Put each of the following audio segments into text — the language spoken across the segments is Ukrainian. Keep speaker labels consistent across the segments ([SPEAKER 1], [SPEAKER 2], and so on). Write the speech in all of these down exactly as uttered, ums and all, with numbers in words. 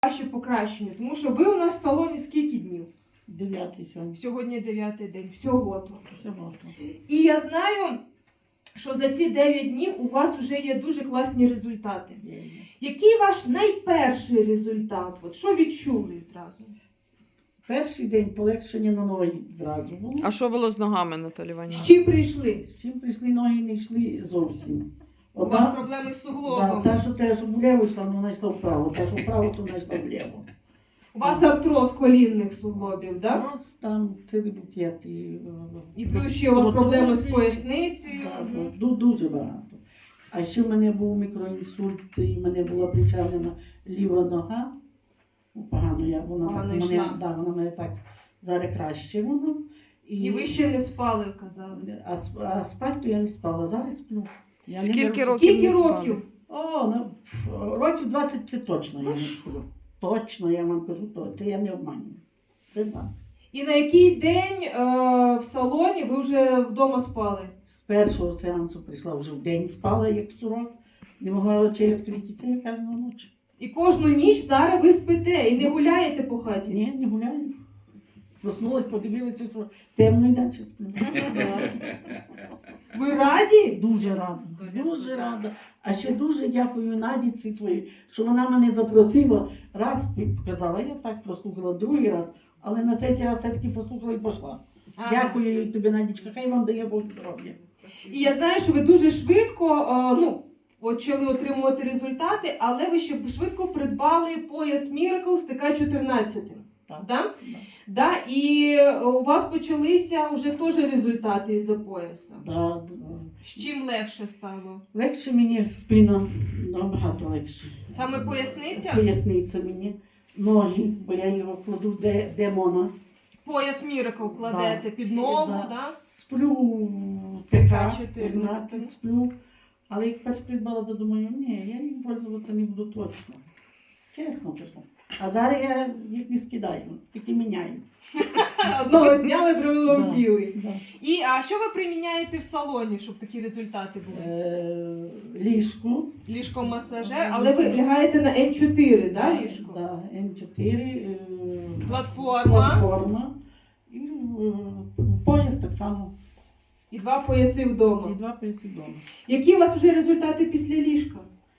[SPEAKER 1] Ваше покращення, тому що ви у нас в салоні скільки днів?
[SPEAKER 2] Дев'ятий сьогодні.
[SPEAKER 1] Сьогодні дев'ятий день, всього то.
[SPEAKER 2] Всього то.
[SPEAKER 1] І я знаю, що за ці дев'ять днів у вас вже є дуже класні результати.
[SPEAKER 2] Є, є.
[SPEAKER 1] Який ваш найперший результат? От що відчули відразу?
[SPEAKER 2] Перший день полегшення на ноги зразу було.
[SPEAKER 3] А що було з ногами, Наталі
[SPEAKER 1] З
[SPEAKER 3] Іванівна?
[SPEAKER 1] чим прийшли?
[SPEAKER 2] З чим прийшли ноги, не йшли зовсім.
[SPEAKER 1] У вас проблеми з
[SPEAKER 2] да,
[SPEAKER 1] суглобом.
[SPEAKER 2] та, що те, що вліво йшла, ну, вона йшла вправо. Та, що вправо, то вона йшла вліво.
[SPEAKER 1] У вас артроз колінних суглобів, так?
[SPEAKER 2] У нас там цілий букет. І,
[SPEAKER 1] І плюс ще у вас проблеми з поясницею.
[SPEAKER 2] Да,
[SPEAKER 1] Мгм.
[SPEAKER 2] да, ду- дуже багато. А ще в мене був мікроінсульт, і в мене була причавлена ліва нога. Ну, погано я, вона
[SPEAKER 1] Погано
[SPEAKER 2] так,
[SPEAKER 1] йшла.
[SPEAKER 2] мене, да, вона мене так зараз краще воно.
[SPEAKER 1] І ви ще не спали, казали.
[SPEAKER 2] А, сп- а спати то я не спала, зараз сплю. Я не
[SPEAKER 3] Скільки
[SPEAKER 2] беру-
[SPEAKER 3] років?
[SPEAKER 1] Скільки
[SPEAKER 3] не спали.
[SPEAKER 1] років?
[SPEAKER 2] О, ну, пф, років двадцять це точно я не сплю. Точно, я вам кажу, то, це я не обманюю. Це так.
[SPEAKER 1] І на який день е, в салоні ви вже вдома спали?
[SPEAKER 2] З першого сеансу прийшла вже в день, спала як сурок, не могла очей відкрити, це я кожну ніч.
[SPEAKER 1] І кожну ніч зараз ви спите і не гуляєте по хаті?
[SPEAKER 2] Ні, не гуляю. Проснулась, подивилася, що темно і далі сплю.
[SPEAKER 1] Ви раді?
[SPEAKER 2] Дуже рада, дуже рада. А ще дуже дякую Надіці своїй, що вона мене запросила, раз показала, я так прослухала, другий раз, але на третій раз все-таки послухала і пішла.
[SPEAKER 1] Ага.
[SPEAKER 2] Дякую тобі, Надічка, хай вам дає Бог здоров'я.
[SPEAKER 1] І я знаю, що ви дуже швидко е, ну, почали отримувати результати, але ви ще швидко придбали пояс Miracle з Т К чотирнадцять.
[SPEAKER 2] Так.
[SPEAKER 1] Да?
[SPEAKER 2] Да.
[SPEAKER 1] Да? І у вас почалися вже теж результати із-за пояса.
[SPEAKER 2] Да, да.
[SPEAKER 1] З чим легше стало?
[SPEAKER 2] Легше мені спина, набагато легше.
[SPEAKER 1] Саме поясниця?
[SPEAKER 2] Поясниця мені, ноги, бо я його кладу де, де мона.
[SPEAKER 1] Пояс Miracle кладете
[SPEAKER 2] Да.
[SPEAKER 1] під ногу,
[SPEAKER 2] Да.
[SPEAKER 1] да?
[SPEAKER 2] Сплю Т К
[SPEAKER 1] чотирнадцять.
[SPEAKER 2] чотирнадцять, сплю. Але як перш придбала, то думаю, ні, я їм пользуватися не буду точно. Чесно кажу. А зараз я їх не скидаю, тільки міняю.
[SPEAKER 1] Одного зняли, другого
[SPEAKER 2] Да.
[SPEAKER 1] вділи.
[SPEAKER 2] Да.
[SPEAKER 1] І а що ви приміняєте в салоні, щоб такі результати були?
[SPEAKER 2] Е, ліжко.
[SPEAKER 1] Ліжко-масажер, але ви лягаєте на Н чотири, да, ліжко?
[SPEAKER 2] Да, Н чотири. Е,
[SPEAKER 1] Платформа.
[SPEAKER 2] Платформа. І е, пояс так само.
[SPEAKER 1] І два пояси вдома.
[SPEAKER 2] І два пояси вдома.
[SPEAKER 1] Які у вас вже результати після ліжка?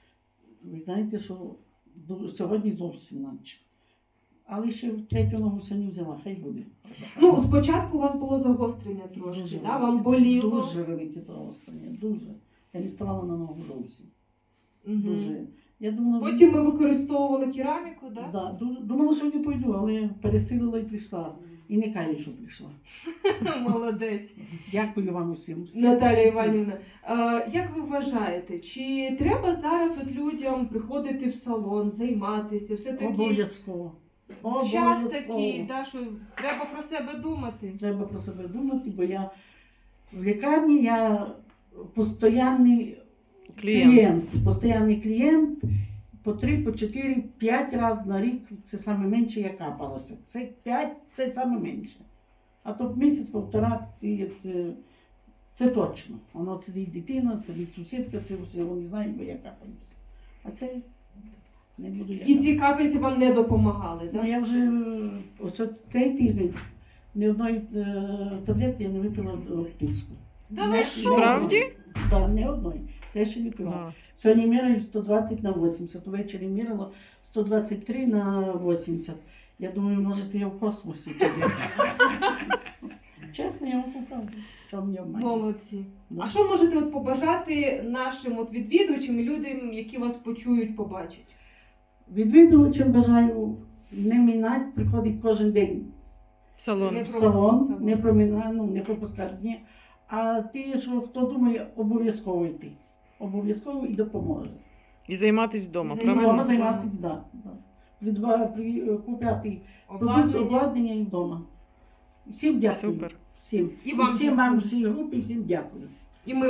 [SPEAKER 2] Ви знаєте, що ду- сьогодні зовсім наче. Але ще третю ногу сьогодні взяла, хай буде.
[SPEAKER 1] Ну, спочатку у вас було загострення трошки,
[SPEAKER 2] Дуже
[SPEAKER 1] да? Вам
[SPEAKER 2] велике,
[SPEAKER 1] боліло.
[SPEAKER 2] Дуже велике загострення, дуже. Я не ставала на ногу зовсім.
[SPEAKER 1] Мгм.
[SPEAKER 2] Дуже. Я думала, що...
[SPEAKER 1] Потім ви використовували кераміку, да?
[SPEAKER 2] Да, дуже... Думала, що не пойду, але пересилила і прийшла. І не каю, що прийшла.
[SPEAKER 1] Молодець.
[SPEAKER 2] Дякую вам усім. всім.
[SPEAKER 1] Наталія
[SPEAKER 2] всім.
[SPEAKER 1] Іванівна, е, як ви вважаєте, чи треба зараз от людям приходити в салон, займатися, все-таки
[SPEAKER 2] Обов'язково.
[SPEAKER 1] час
[SPEAKER 2] Обов'язково.
[SPEAKER 1] такий, да, що треба про себе думати?
[SPEAKER 2] Треба про себе думати, бо я в лікарні я постійний
[SPEAKER 3] Клієнт.
[SPEAKER 2] клієнт. Постійний клієнт по три, по чотири, п'ять разів на рік це саме менше я капалася. Це п'ять, це саме менше. А то місяць-півтора це, це, це точно. Воно це і дитина, це від сусідка, це все, вони знають, бо я капаюся. А це не буду я.
[SPEAKER 1] І ці капельці вам не допомагали,
[SPEAKER 2] Ну,
[SPEAKER 1] да?
[SPEAKER 2] я вже ось от цей тиждень ні одної е, таблетки я не випила до тиску.
[SPEAKER 1] Да
[SPEAKER 2] Не-
[SPEAKER 1] ви що?
[SPEAKER 3] Справді?
[SPEAKER 2] Так, не одної. Це ще не пила.
[SPEAKER 3] Клас.
[SPEAKER 2] Сьогодні міряю сто двадцять на вісімдесят, ввечері міряла сто двадцять три на вісімдесят. Я думаю, може це я в космосі тоді. Чесно, я вам поправлю. Чому мені обманює?
[SPEAKER 1] Молодці.
[SPEAKER 2] Да.
[SPEAKER 1] А що можете от побажати нашим от відвідувачам і людям, які вас почують, побачать?
[SPEAKER 2] Відвідувачам бажаю не мінати, приходить кожен день
[SPEAKER 3] В салон.
[SPEAKER 1] Не
[SPEAKER 2] в
[SPEAKER 1] про-
[SPEAKER 2] салон,
[SPEAKER 1] салон.
[SPEAKER 2] не промінати, ну, не пропускати дні. А ті, що хто думає, обов'язково йти. Обов'язково і допоможе.
[SPEAKER 3] І займатися вдома,
[SPEAKER 1] Займатися.
[SPEAKER 3] правильно?
[SPEAKER 2] Вдома займатися, да, да. Придба, при, купляти продукти,
[SPEAKER 1] Обладнання.
[SPEAKER 2] обладнання і вдома. Всім дякую.
[SPEAKER 3] Супер.
[SPEAKER 2] Всім.
[SPEAKER 1] І вам
[SPEAKER 2] всім
[SPEAKER 1] дякую.
[SPEAKER 2] вам, всій групі, всім дякую.